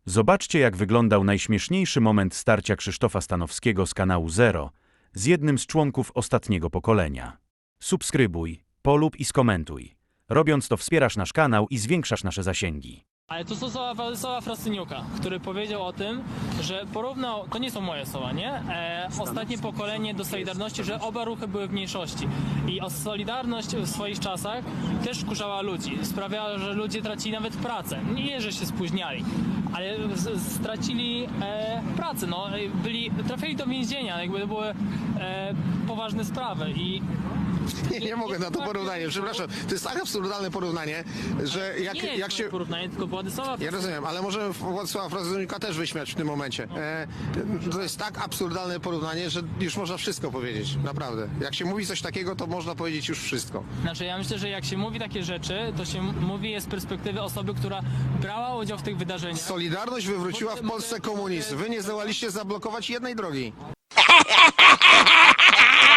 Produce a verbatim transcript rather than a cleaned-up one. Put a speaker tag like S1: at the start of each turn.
S1: Zobaczcie, jak wyglądał najśmieszniejszy moment starcia Krzysztofa Stanowskiego z kanału Zero z jednym z członków ostatniego pokolenia. Subskrybuj, polub i skomentuj. Robiąc to wspierasz nasz kanał i zwiększasz nasze zasięgi.
S2: Ale to są słowa Władysława Frasyniuka, który powiedział o tym, że porównał, to nie są moje słowa, nie? E, ostatnie pokolenie do Solidarności, że oba ruchy były w mniejszości. I o Solidarność w swoich czasach też wkurzała ludzi. Sprawiała, że ludzie tracili nawet pracę. Nie, że się spóźniali, ale z, stracili e, pracę. No, byli, trafili do więzienia, jakby to były e, poważne sprawy. I
S3: Nie, nie mogę na to porównanie, przepraszam. To jest tak absurdalne porównanie, że jak,
S2: nie jest
S3: jak się...
S2: porównanie, tylko Władysława
S3: Ja rozumiem, ale możemy Władysława Frasyniuka też wyśmiać w tym momencie. E, to jest tak absurdalne porównanie, że już można wszystko powiedzieć, naprawdę. Jak się mówi coś takiego, to można powiedzieć już wszystko.
S2: Znaczy ja myślę, że jak się mówi takie rzeczy, to się mówi je z perspektywy osoby, która brała udział w tych wydarzeniach.
S3: Solidarność wywróciła w Polsce komunizm. Wy nie zdołaliście zablokować jednej drogi.